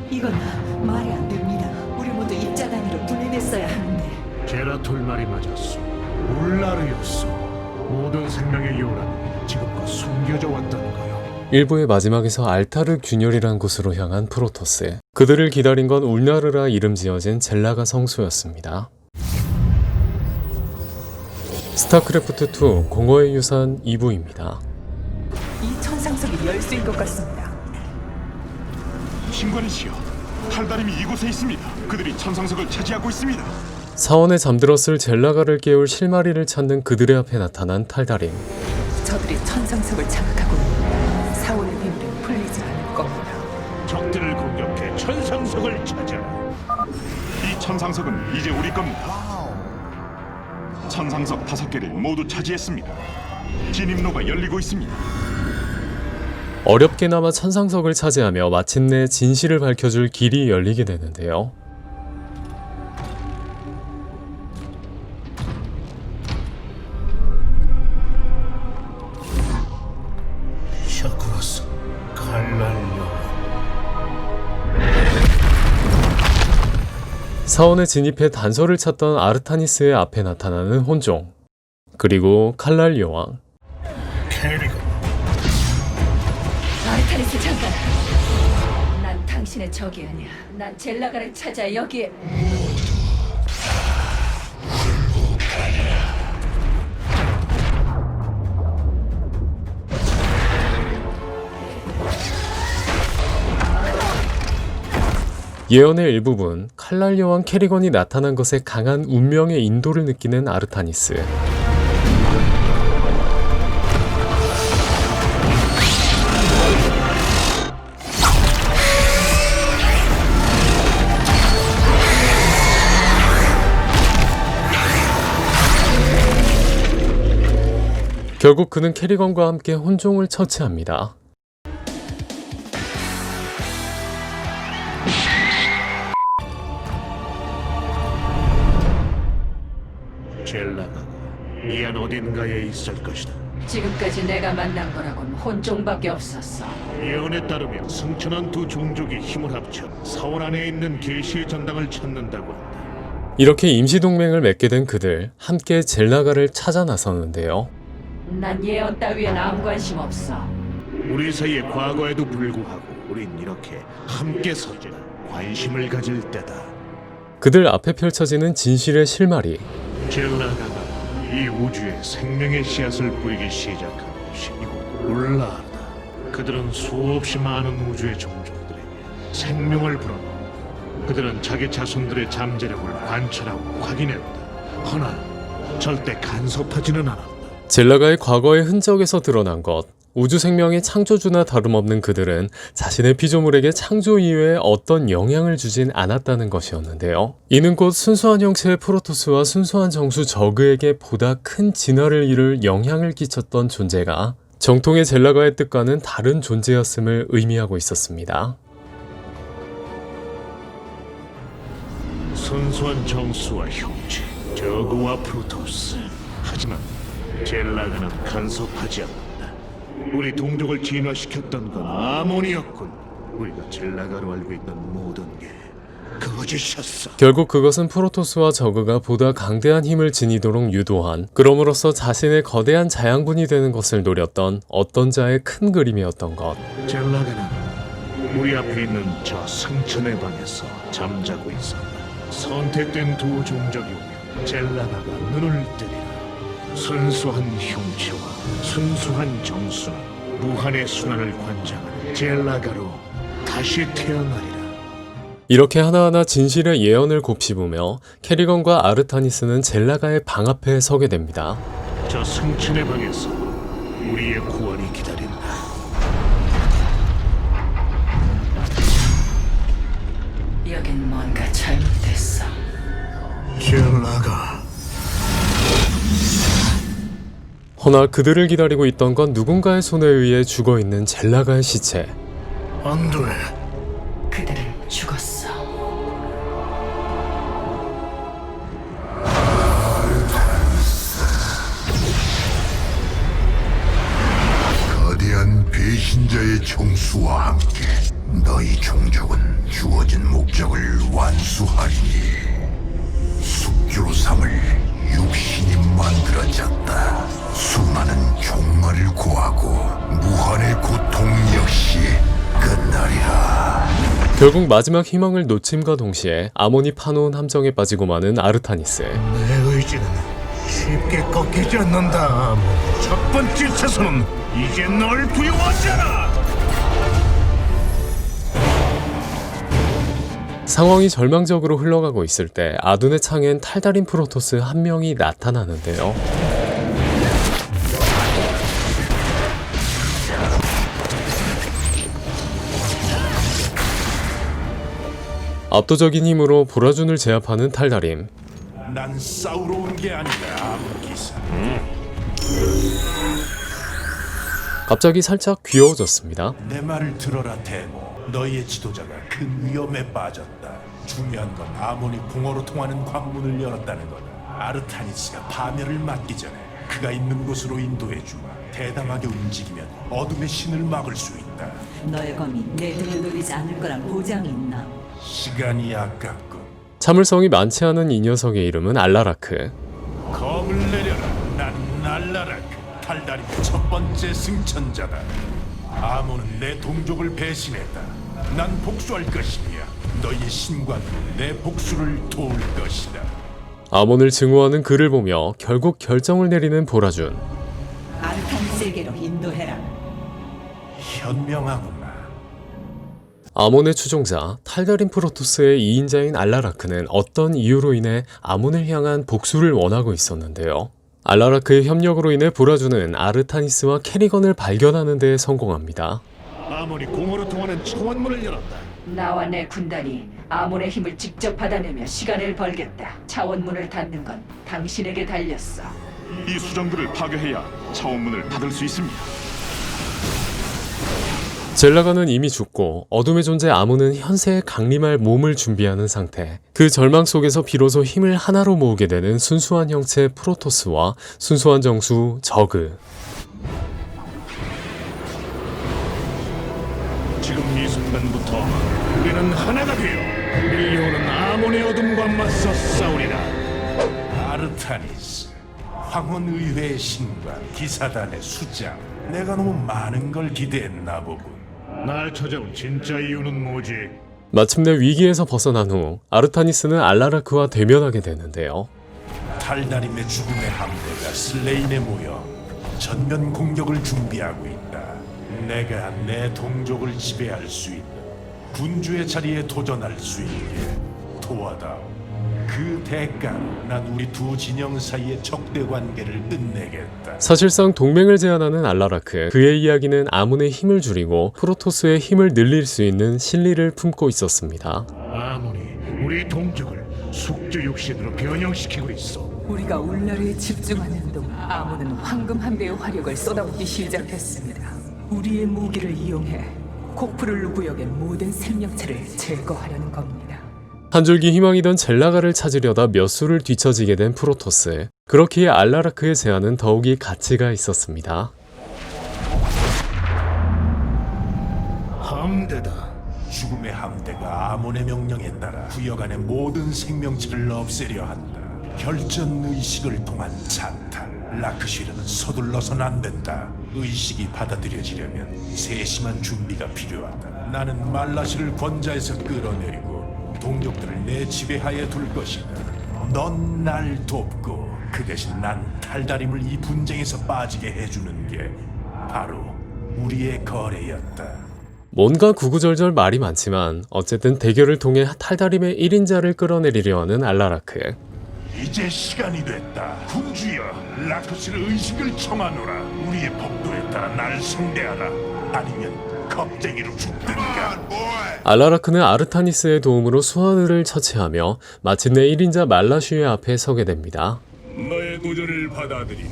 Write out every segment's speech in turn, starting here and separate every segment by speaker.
Speaker 1: 이건 말이 안 됩니다. 우리 모두 입자단으로 분해됐어야 하는데.
Speaker 2: 제라톨 말이 맞았어. 울라르였어. 모든 생명의 요란이 지금껏 숨겨져 왔다는 거요.
Speaker 3: 일부의 마지막에서 알타르 균열이란 곳으로 향한 프로토스. 그들을 기다린 건 울나르라 이름 지어진 젤라가 성소였습니다. 스타크래프트2 공허의 유산 2부입니다.
Speaker 1: 이 천상석이 열쇠인 것 같습니다.
Speaker 4: 신관이시여, 탈다림이 이곳에 있습니다. 그들이 천상석을 차지하고 있습니다.
Speaker 3: 사원에 잠들었을 젤라가를 깨울 실마리를 찾는 그들의 앞에 나타난 탈다림.
Speaker 1: 저들이 천상석을 장악하고 있는 사원의 비밀은 풀리지 않을 겁니다.
Speaker 2: 적들을 공격해 천상석을 찾아라.
Speaker 4: 이 천상석은 이제 우리 겁니다. 천상석 5개를 모두 차지했습니다. 진입로가 열리고 있습니다.
Speaker 3: 어렵게나마 천상석을 차지하며 마침내 진실을 밝혀줄 길이 열리게 되는데요.
Speaker 2: 샤크로스 칼날요.
Speaker 3: 사원에 진입해 단서를 찾던 아르타니스의 앞에 나타나는 혼종, 그리고 칼날 여왕.
Speaker 2: 캐리건.
Speaker 1: 아르타니스 장관, 난 당신의 적이 아니야. 난 젤라가를 찾아 여기에.
Speaker 3: 예언의 일부분, 칼날 여왕 캐리건이 나타난 것에 강한 운명의 인도를 느끼는 아르타니스. 결국 그는 캐리건과 함께 혼종을 처치합니다.
Speaker 2: 젤라가 이 안 어딘가에 있을 것이다.
Speaker 1: 지금까지 내가 만난 거라곤 혼종밖에 없었어.
Speaker 2: 예언에 따르면 승천한 두 종족이 힘을 합쳐 사원 안에 있는 계시의 전당을 찾는다고 한다.
Speaker 3: 이렇게 임시동맹을 맺게 된 그들, 함께 젤라가를 찾아 나섰는데요.
Speaker 1: 난 예언 따위엔 아무 관심 없어.
Speaker 2: 우리 사이의 과거에도 불구하고 우린 이렇게 함께 서자 관심을 가질 때다.
Speaker 3: 그들 앞에 펼쳐지는 진실의 실마리.
Speaker 2: 젤라가가 이 우주에 생명의 씨앗을 뿌리기 시작한 곳이 이곳 울라르다. 그들은 수없이 많은 우주의 종족들에게 생명을 불어넣고 그들은 자기 자손들의 잠재력을 관찰하고 확인했다. 허나 절대 간섭하지는 않았다.
Speaker 3: 젤라가의 과거의 흔적에서 드러난 것, 우주 생명의 창조주나 다름없는 그들은 자신의 피조물에게 창조 이외에 어떤 영향을 주진 않았다는 것이었는데요. 이는 곧 순수한 형체의 프로토스와 순수한 정수 저그에게 보다 큰 진화를 이룰 영향을 끼쳤던 존재가 정통의 젤라가의 뜻과는 다른 존재였음을 의미하고 있었습니다.
Speaker 2: 순수한 정수와 형체, 저그와 프로토스. 하지만 젤라가는 간섭하지 않는다. 우리 동족을 진화시켰던 건 아몬이었군. 우리가 젤라가로 알고 있는 모든 게 거짓이었어.
Speaker 3: 결국 그것은 프로토스와 저그가 보다 강대한 힘을 지니도록 유도한, 그럼으로써 자신의 거대한 자양분이 되는 것을 노렸던 어떤 자의 큰 그림이었던 것.
Speaker 2: 젤라가는 우리 앞에 있는 저 승천의 방에서 잠자고 있었다. 선택된 두 종족이 오면 젤라가가 눈을 뜨리라. 순수한 형체와 순수한 정수는 무한의 순환을 관장하는 젤라가로 다시 태어나리라.
Speaker 3: 이렇게 하나하나 진실의 예언을 곱씹으며 캐리건과 아르타니스는 젤라가의 방 앞에 서게 됩니다.
Speaker 2: 저 승천의 방에서 우리의 구원이 기다린다.
Speaker 1: 여긴 뭔가 잘못됐어.
Speaker 2: 젤라가
Speaker 3: 허나 그들을 기다리고 있던 건 누군가의 손에 의해 죽어있는 젤라가의 시체.
Speaker 2: 안 돼.
Speaker 1: 그들은 죽었어.
Speaker 5: 거대한 배신자의 총수와 함께 너희 종족은 주어진 목적을 완수하리니 숙주로 삼을 육신이 만들어졌다. 수많은 종말을 고하고 무한의 고통 역시 끝나리라.
Speaker 3: 결국 마지막 희망을 놓침과 동시에 아몬이 파놓은 함정에 빠지고 마는 아르타니스.
Speaker 6: 내 의지는 쉽게 꺾이지 않는다. 첫 번째 차선은 이제 널 두려워하잖아.
Speaker 3: 상황이 절망적으로 흘러가고 있을 때 아둔의 창엔 탈달인 프로토스 한 명이 나타나는데요. 압도적인 힘으로 보라준을 제압하는 탈다림.
Speaker 4: 난 싸우러 온 게 아니라 아무 기사.
Speaker 3: 갑자기 살짝 귀여워졌습니다.
Speaker 4: 내 말을 들어라 대모. 너희의 지도자가 큰 위험에 빠졌다. 중요한 건 아몬이 공허로 통하는 관문을 열었다는 거다. 아르타니스가 파멸을 막기 전에 그가 있는 곳으로 인도해주마. 대담하게 움직이면 어둠의 신을 막을 수 있다.
Speaker 7: 너의 검이 내 등을 노리지 않을 거란 보장이 있나?
Speaker 4: 시간이 아깝군.
Speaker 3: 참을성이 많지 않은 이 녀석의 이름은 알라라크.
Speaker 4: 검을 내려라. 난 알라라크. 탈다림의 첫 번째 승천자다. 아몬은 내 동족을 배신했다. 난 복수할 것이야. 너희의 신관으로 내 복수를 도울 것이다.
Speaker 3: 아몬을 증오하는 그를 보며 결국 결정을 내리는 보라준.
Speaker 7: 아르타니스에게로 인도해라.
Speaker 4: 현명하구나.
Speaker 3: 아몬의 추종자 탈다린 프로토스의 2인자인 알라라크는 어떤 이유로 인해 아몬을 향한 복수를 원하고 있었는데요. 알라라크의 협력으로 인해 보라준은 아르타니스와 캐리건을 발견하는 데 성공합니다.
Speaker 2: 아몬이 공허로 통하는 청원문을 열었다.
Speaker 8: 나와 내 군단이 아몬의 힘을 직접 받아내며 시간을 벌겠다. 차원문을 닫는 건 당신에게 달렸어.
Speaker 4: 이 수정들을 파괴해야 차원문을 닫을 수 있습니다.
Speaker 3: 젤라가는 이미 죽고 어둠의 존재 아몬은 현세에 강림할 몸을 준비하는 상태. 그 절망 속에서 비로소 힘을 하나로 모으게 되는 순수한 형체 프로토스와 순수한 정수 저그.
Speaker 2: 지금 이 순간부터 우리는 하나가 되어 밀려오는 아몬의 어둠과 맞서 싸우리라.
Speaker 4: 아르타니스, 황혼의회의 신관, 기사단의 수장. 내가 너무 많은 걸 기대했나 보군.
Speaker 2: 날 찾아온 진짜 이유는 뭐지?
Speaker 3: 마침내 위기에서 벗어난 후 아르타니스는 알라라크와 대면하게 되는데요.
Speaker 4: 탈다림의 죽음의 함대가 슬레인에 모여 전면 공격을 준비하고 있다. 내가 내 동족을 지배할 수 있는 군주의 자리에 도전할 수 있게 도와다오. 그 대가로 난 우리 두 진영 사이의 적대 관계를 끝내겠다.
Speaker 3: 사실상 동맹을 제안하는 알라라크. 그의 이야기는 아몬의 힘을 줄이고 프로토스의 힘을 늘릴 수 있는 실리를 품고 있었습니다.
Speaker 2: 아몬이 우리 동족을 숙주 육신으로 변형시키고 있어.
Speaker 1: 우리가 울라르에 집중하는 동안 아몬은 황금 한 배의 화력을 쏟아붓기 시작했습니다. 우리의 무기를 이용해 코프룰루 구역의 모든 생명체를 제거하려는 겁니다.
Speaker 3: 한 줄기 희망이던 젤라가를 찾으려다 몇 수를 뒤처지게 된 프로토스. 그렇기에 알라라크의 제안은 더욱이 가치가 있었습니다.
Speaker 2: 함대다.
Speaker 4: 죽음의 함대가 아몬의 명령에 따라 구역 안의 모든 생명체를 없애려 한다. 결전 의식을 통한 찬탈. 라크시르는 서둘러선 안 된다. 의식이 받아들여지려면 세심한 준비가 필요하다. 나는 말라시를 권자에서 끌어내리고 동족들을 내 지배하에 둘 것이다. 넌 날 돕고 그 대신 난 탈다림을 이 분쟁에서 빠지게 해주는 게 바로 우리의 거래였다.
Speaker 3: 뭔가 구구절절 말이 많지만 어쨌든 대결을 통해 탈다림의 1인자를 끌어내리려 하는 알라라크.
Speaker 4: 이제 시간이 됐다. 군주여, 라크시르 의식을 청하노라. 우리의 법도에 따라 날 상대하라. 아니면 겁쟁이로 죽든가.
Speaker 3: 알라라크는 아르타니스의 도움으로 수하드를 처치하며 마침내 1인자 말라슈의 앞에 서게 됩니다.
Speaker 4: 너의 도전을 받아들이마.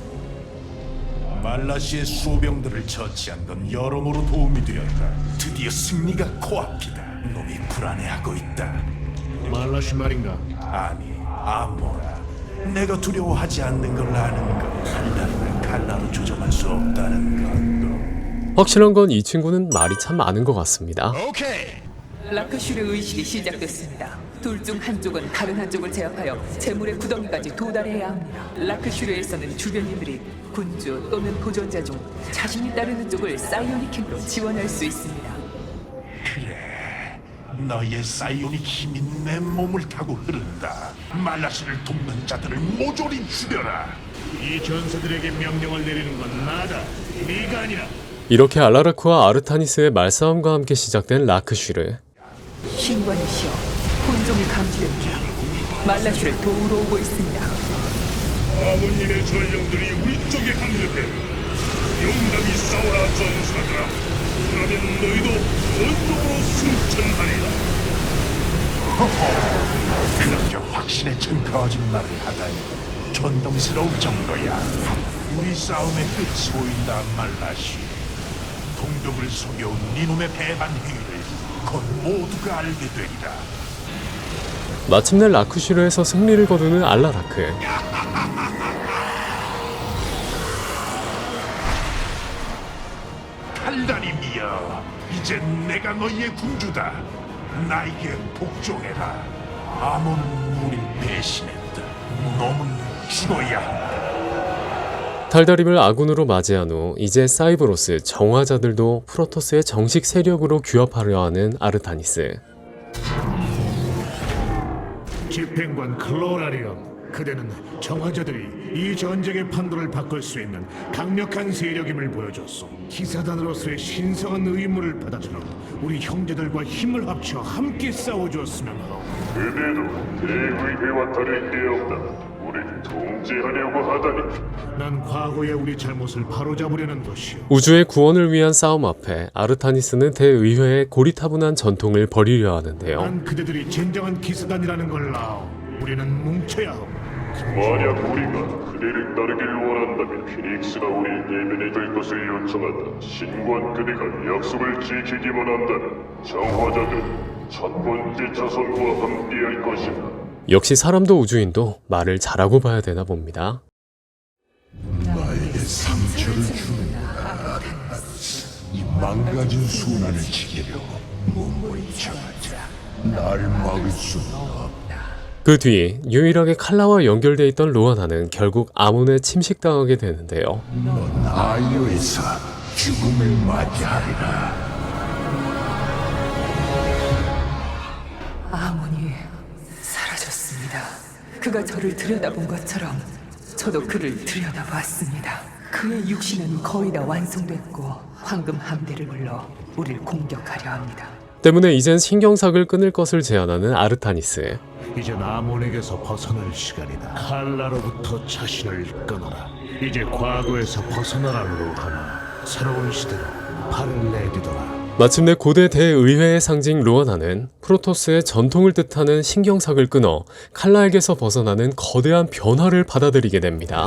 Speaker 4: 말라시의 수호병들을 처치한 건 여러모로 도움이 되었다. 드디어 승리가 코앞이다. 놈이 불안해하고 있다.
Speaker 2: 말라시 말인가?
Speaker 4: 아니, 아모라. 내가 두려워하지 않는 걸 아는 것. 칼날을 칼라로 조정할 수 없다는 것.
Speaker 3: 확실한 건 이 친구는 말이 참 많은 것 같습니다.
Speaker 1: 라크슈르 의식이 시작됐습니다. 둘 중 한쪽은 다른 한쪽을 제압하여 재물의 구덩이까지 도달해야 합니다. 라크슈르에서는 주변인들이 군주 또는 도전자 중 자신이 따르는 쪽을 사이오닉 힘으로 지원할 수 있습니다.
Speaker 4: 너의 사이오닉 힘이 내 몸을 타고 흐른다. 말라스를 돕는 자들을 모조리 죽여라.
Speaker 6: 이 전사들에게 명령을 내리는 건 나다. 네가 아니라.
Speaker 3: 이렇게 알라라크와 아르타니스의 말싸움과 함께 시작된 라크슈르.
Speaker 1: 신관이시여, 혼종이 감지됩니다. 말라슈를 도우러 오고 있습니다.
Speaker 6: 아버님의 전령들이 우리 쪽에 합류해. 용감히 싸워라 전사들아. 그러면 너희도 원동으로 승천하리라.
Speaker 4: 그렇게 확신에 찬 거짓말을 하다니 존경스러울 정도야. 우리 싸움의 끝이 보인다 말라시. 동족을 속여온 니놈의 배반 행위를 곧 모두가 알게 되리라.
Speaker 3: 마침내 라크슈르에서 승리를 거두는 알라라크.
Speaker 4: 달달임이여, 이제 내가 너희의 군주다. 나에게 복종해라. 아몬은 우릴 배신했다. 놈은 죽어야 한다.
Speaker 3: 탈다림을 아군으로 맞이한 후 이제 사이브로스 정화자들도 프로토스의 정식 세력으로 규합하려 하는 아르타니스.
Speaker 6: 집행관 클로라리엄, 그대는 정화자들이 이 전쟁의 판도를 바꿀 수 있는 강력한 세력임을 보여줬소. 기사단으로서의 신성한 의무를 받아주러 우리 형제들과 힘을 합쳐 함께 싸워주었으면 하오.
Speaker 9: 그대도 대의회와 다를 게 없다. 우리를 통제하려고 하다니.
Speaker 6: 난 과거의 우리 잘못을 바로잡으려는 것이오.
Speaker 3: 우주의 구원을 위한 싸움 앞에 아르타니스는 대의회의 고리타분한 전통을 버리려 하는데요.
Speaker 6: 난 그대들이 진정한 기사단이라는 걸 아오. 우리는 뭉쳐야 하오.
Speaker 9: 만약 우리가 그대를 따르길 원한다면 피닉스가 우리 예면에 들 것을 요청한다. 신관 그대가 약속을 지키기만 한다면 정화자들은 첫 번째 자손과 함께할 것이다.
Speaker 3: 역시 사람도 우주인도 말을 잘하고 봐야 되나 봅니다.
Speaker 5: 나에게 상처를 주는구나. 이 망가진 순환을 지키려고 몸부림쳐봤자 날 막을 수는 없다.
Speaker 3: 그 뒤 유일하게 칼라와 연결돼 있던 로아나는 결국 아몬에 침식당하게 되는데요.
Speaker 5: 넌 아이오에서 죽음을 맞이하리라.
Speaker 1: 아몬이 사라졌습니다. 그가 저를 들여다본 것처럼 저도 그를 들여다봤습니다. 그의 육신은 거의 다 완성됐고 황금 함대를 불러 우릴 공격하려 합니다.
Speaker 3: 때문에 이젠 신경삭을 끊을 것을 제안하는 아르타니스.
Speaker 6: 이젠 아몬에게서 벗어날 시간이다. 칼라로부터 자신을 끊어라. 이제 과거에서 벗어나라 로하나. 새로운 시대로 발을 내디뎌라.
Speaker 3: 마침내 고대 대의회의 상징 로아나는 프로토스의 전통을 뜻하는 신경삭을 끊어 칼라에게서 벗어나는 거대한 변화를 받아들이게 됩니다.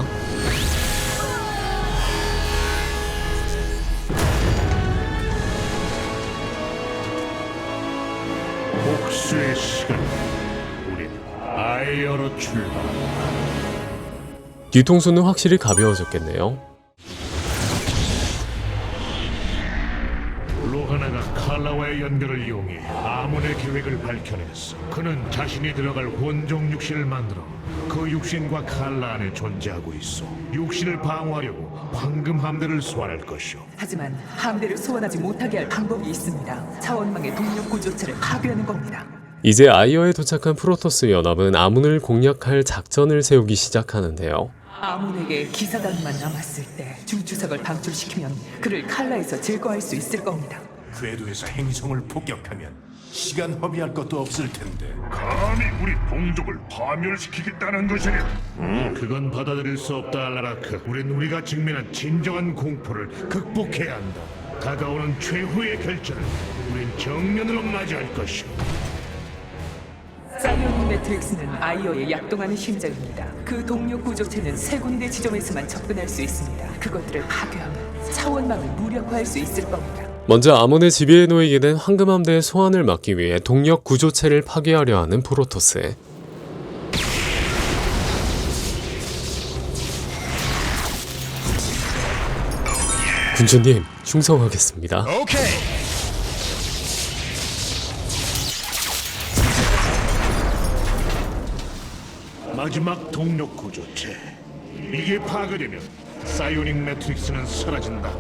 Speaker 6: 복수의 시간. 우린 아이어로 출발한다.
Speaker 3: 뒤통수는 확실히 가벼워졌겠네요.
Speaker 6: 로하나가 칼라와의 연결을 이용해 아몬의 계획을 밝혀냈어. 그는 자신이 들어갈 혼종 육신을 만들어 그 육신과 칼라 안에 존재하고 있어. 육신을 방어하려고 황금 함대를 소환할 것이오.
Speaker 1: 하지만 함대를 소환하지 못하게 할 방법이 있습니다. 차원망의 동력 구조체를 파괴하는 겁니다.
Speaker 3: 이제 아이어에 도착한 프로토스 연합은 아몬을 공략할 작전을 세우기 시작하는데요.
Speaker 1: 아몬에게 기사단만 남았을 때 주주석을 방출시키면 그를 칼라에서 제거할 수 있을 겁니다.
Speaker 4: 궤도에서 행성을 폭격하면 시간 허비할 것도 없을 텐데.
Speaker 6: 감히 우리 동족을 파멸시키겠다는 것이냐? 그건 받아들일 수 없다, 알라라크. 우리가 직면한 진정한 공포를 극복해야 한다. 다가오는 최후의 결전을 우린 정면으로 맞이할 것이오.
Speaker 1: 사이오닉 매트릭스는 아이어의 약동하는 심장입니다. 그 동력 구조체는 세 군데 지점에서만 접근할 수 있습니다. 그것들을 파괴하면 차원망을 무력화할 수 있을 겁니다.
Speaker 3: 먼저 아몬의 지배에 놓이게 된 황금함대의 소환을 막기 위해 동력 구조체를 파괴하려 하는 프로토스. 군주님, 충성하겠습니다.
Speaker 6: 마지막 동력 구조체. 이게 파괴되면 사이오닉 매트릭스는 사라진다.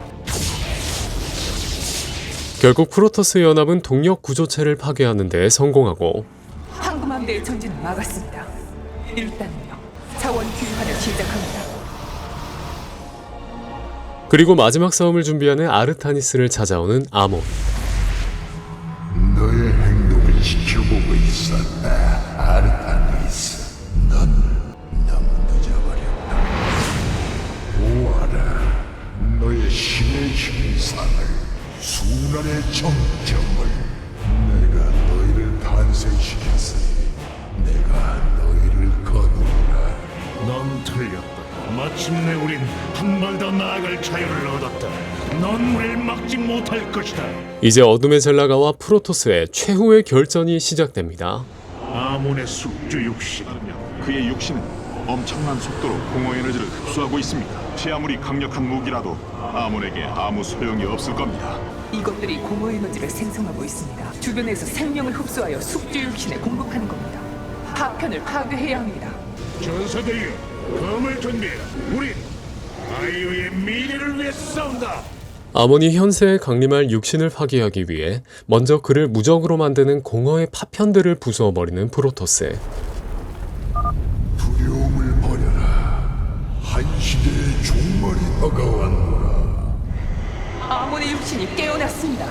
Speaker 3: 결국 프로토스 연합은 동력 구조체를 파괴하는 데 성공하고
Speaker 1: 황금함대의 전진을 막았습니다. 일단은요, 자원 귀환을 시작합니다.
Speaker 3: 그리고 마지막 싸움을 준비하는 아르타니스를 찾아오는 아몬.
Speaker 5: 너의 행동을 지켜보고 있었다, 아르타니스. 넌 너무 늦어버렸다. 보아라, 너의 신의 형상을, 순환의 정점을. 내가 너희를 탄생시켰으니 내가 너희를 거두리라.
Speaker 6: 넌 틀렸다. 마침내 우린 한 발 더 나아갈 자유를 얻었다. 넌 우릴 막지 못할 것이다.
Speaker 3: 이제 어둠의 젤라가와 프로토스의 최후의 결전이 시작됩니다.
Speaker 6: 아몬의 숙주 육신.
Speaker 10: 그의 육신은 엄청난 속도로 공허 에너지를 흡수하고 있습니다. 제 아무리 강력한 무기라도 아몬에게 아무 소용이 없을 겁니다.
Speaker 1: 이것들이 공허 에너지를 생성하고 있습니다. 주변에서 생명을 흡수하여 숙주 육신에 공급하는 겁니다. 파편을 파괴해야 합니다.
Speaker 6: 전사들이여, 검을 준비해라. 우린 아이유의 미래를 위해 싸운다.
Speaker 3: 아몬이 현세에 강림할 육신을 파괴하기 위해 먼저 그를 무적으로 만드는 공허의 파편들을 부수어버리는 프로토스.
Speaker 5: 두려움을 버려라. 한 시대의 종말이 다가왔노라.
Speaker 1: 아몬의 육신이 깨어났습니다.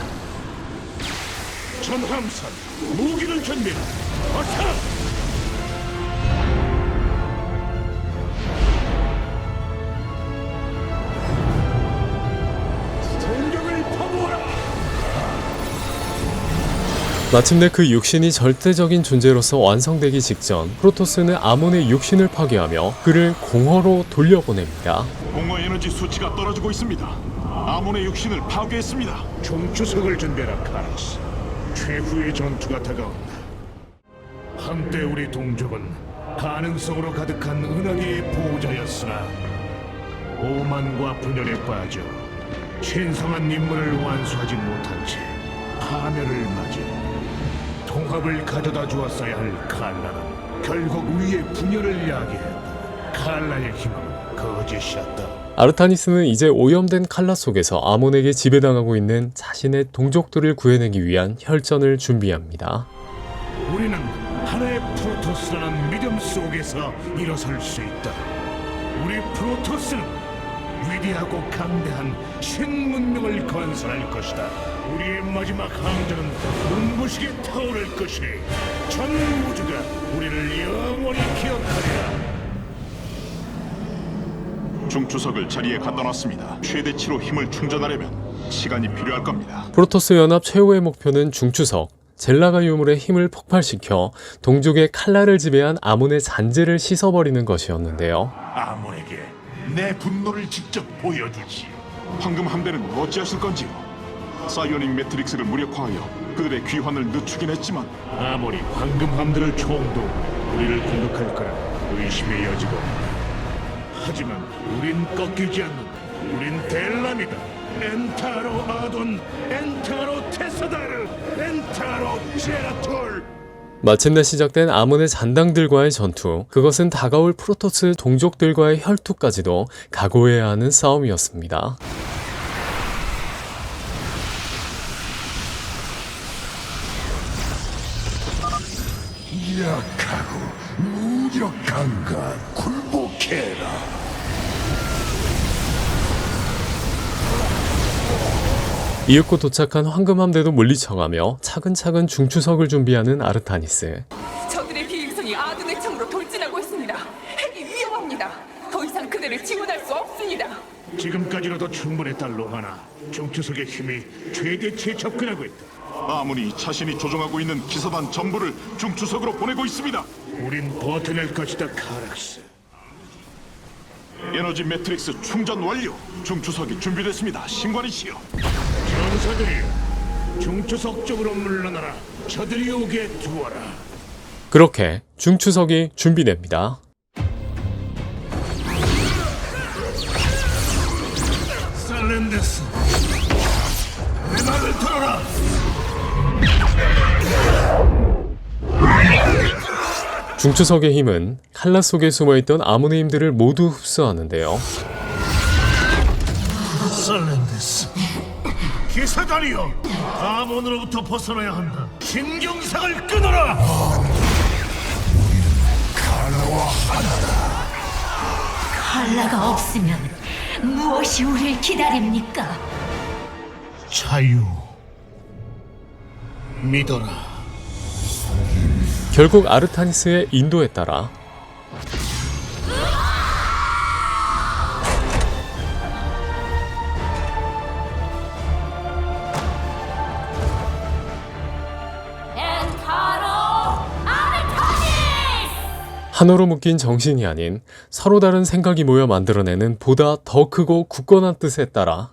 Speaker 6: 전함선, 무기를 준비해라. 어서!
Speaker 3: 마침내 그 육신이 절대적인 존재로서 완성되기 직전 프로토스는 아몬의 육신을 파괴하며 그를 공허로 돌려보냅니다.
Speaker 10: 공허 에너지 수치가 떨어지고 있습니다. 아몬의 육신을 파괴했습니다.
Speaker 6: 종주석을 준비해라, 카라스. 최후의 전투가 다가온다. 한때 우리 동족은 가능성으로 가득한 은하계의 보호자였으나 오만과 분열에 빠져 신성한 임무를 완수하지 못한 채 파멸을 맞이 통합을 가져다 주었어야 할 칼라는 결국 우리의 분열을 야기했다. 칼라의 힘은 거짓이었다.
Speaker 3: 아르타니스는 이제 오염된 칼라 속에서 아몬에게 지배당하고 있는 자신의 동족들을 구해내기 위한 혈전을 준비합니다.
Speaker 6: 우리는 하나의 프로토스라는 믿음 속에서 일어설 수 있다. 우리 프로토스는 위대하고 강대한 신문명을 건설할 것이다. 우리의 마지막 항전은 눈부시게 타오를 것이니 전 우주가 우리를 영원히 기억하리라.
Speaker 10: 중추석을 자리에 갖다 놨습니다. 최대치로 힘을 충전하려면 시간이 필요할 겁니다.
Speaker 3: 프로토스 연합 최후의 목표는 중추석, 젤라가 유물의 힘을 폭발시켜 동족의 칼라를 지배한 아몬의 잔재를 씻어버리는 것이었는데요.
Speaker 4: 아몬에게 내 분노를 직접 보여주지.
Speaker 10: 황금 함대는 어찌하실 건지요? 사이오닉 매트릭스를 무력화하여 그들의 귀환을 늦추긴 했지만
Speaker 6: 아무리 황금 함대를 총도 우리를 공격할 거라 의심의 여지가 없다. 하지만 우린 꺾이지 않는다. 우린 델람이다. 엔타로 아돈, 엔타로 테사다르, 엔타로 제라톨.
Speaker 3: 마침내 시작된 아몬의 잔당들과의 전투, 그것은 다가올 프로토스 동족들과의 혈투까지도 각오해야 하는 싸움이었습니다.
Speaker 5: 약하고 무력한 것 굴복해라.
Speaker 3: 이윽고 도착한 황금함대도 물리쳐가며 차근차근 중추석을 준비하는 아르타니스.
Speaker 1: 저들의 비행선이 아둔의 창으로 돌진하고 있습니다. 핵이 위험합니다. 더 이상 그들을 지원할 수 없습니다.
Speaker 6: 지금까지로도 충분했다, 로하나. 중추석의 힘이 최대치에 접근하고 있다.
Speaker 10: 아몬이 자신이 조종하고 있는 기사단 전부를 중추석으로 보내고 있습니다.
Speaker 6: 우린 버텨낼 것이다, 카락스.
Speaker 10: 에너지 매트릭스 충전 완료. 중추석이 준비됐습니다. 신관이시여.
Speaker 6: 전사들이여, 중추석 쪽으로 물러나라. 저들이 오게 두어라.
Speaker 3: 그렇게 중추석이 준비됩니다.
Speaker 6: 살렌데스,
Speaker 5: 내 말을 들어라.
Speaker 3: 중추석의 힘은 칼라 속에 숨어있던 아몬의 힘들을 모두 흡수하는데요.
Speaker 6: 살렌데스, 기사단이여, 아몬으로부터 벗어나야 한다. 신경상을 끊어라.
Speaker 11: 칼라가 없으면 무엇이 우릴 기다립니까?
Speaker 6: 자유, 믿어라.
Speaker 3: 결국 아르타니스의 인도에 따라 하나로 묶인 정신이 아닌 서로 다른 생각이 모여 만들어내는 보다 더 크고 굳건한 뜻에 따라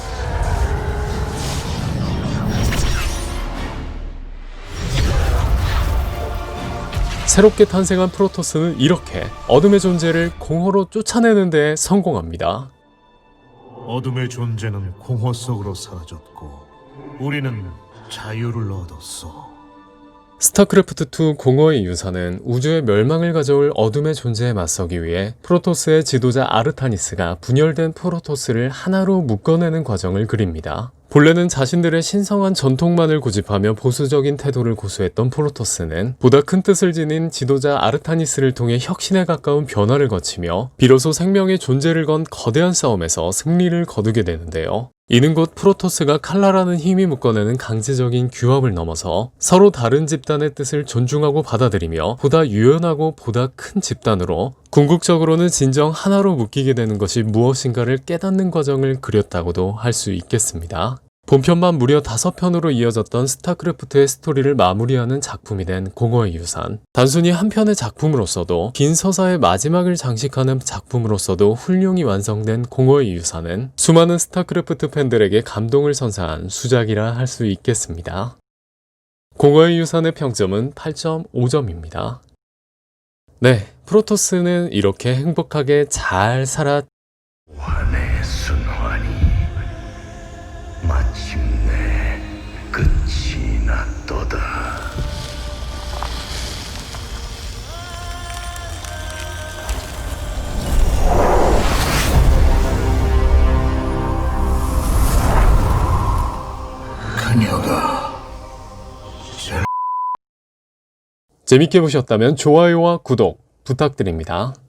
Speaker 3: 새롭게 탄생한 프로토스는 이렇게 어둠의 존재를 공허로 쫓아내는 데 성공합니다.
Speaker 6: 어둠의 존재는 공허 속으로 사라졌고 우리는 자유를 얻었어.
Speaker 3: 스타크래프트2 공허의 유산은 우주의 멸망을 가져올 어둠의 존재에 맞서기 위해 프로토스의 지도자 아르타니스가 분열된 프로토스를 하나로 묶어내는 과정을 그립니다. 본래는 자신들의 신성한 전통만을 고집하며 보수적인 태도를 고수했던 프로토스는 보다 큰 뜻을 지닌 지도자 아르타니스를 통해 혁신에 가까운 변화를 거치며 비로소 생명의 존재를 건 거대한 싸움에서 승리를 거두게 되는데요. 이는 곧 프로토스가 칼라라는 힘이 묶어내는 강제적인 규합을 넘어서 서로 다른 집단의 뜻을 존중하고 받아들이며 보다 유연하고 보다 큰 집단으로 궁극적으로는 진정 하나로 묶이게 되는 것이 무엇인가를 깨닫는 과정을 그렸다고도 할 수 있겠습니다. 본편만 무려 5편으로 이어졌던 스타크래프트의 스토리를 마무리하는 작품이 된 공허의 유산. 단순히 한 편의 작품으로서도 긴 서사의 마지막을 장식하는 작품으로서도 훌륭히 완성된 공허의 유산은 수많은 스타크래프트 팬들에게 감동을 선사한 수작이라 할 수 있겠습니다. 공허의 유산의 평점은 8.5점입니다. 네, 프로토스는 이렇게 행복하게 잘
Speaker 5: 환의 순환이 마침내 끝이 났도다. 그녀가
Speaker 3: 재밌게 보셨다면 좋아요와 구독 부탁드립니다.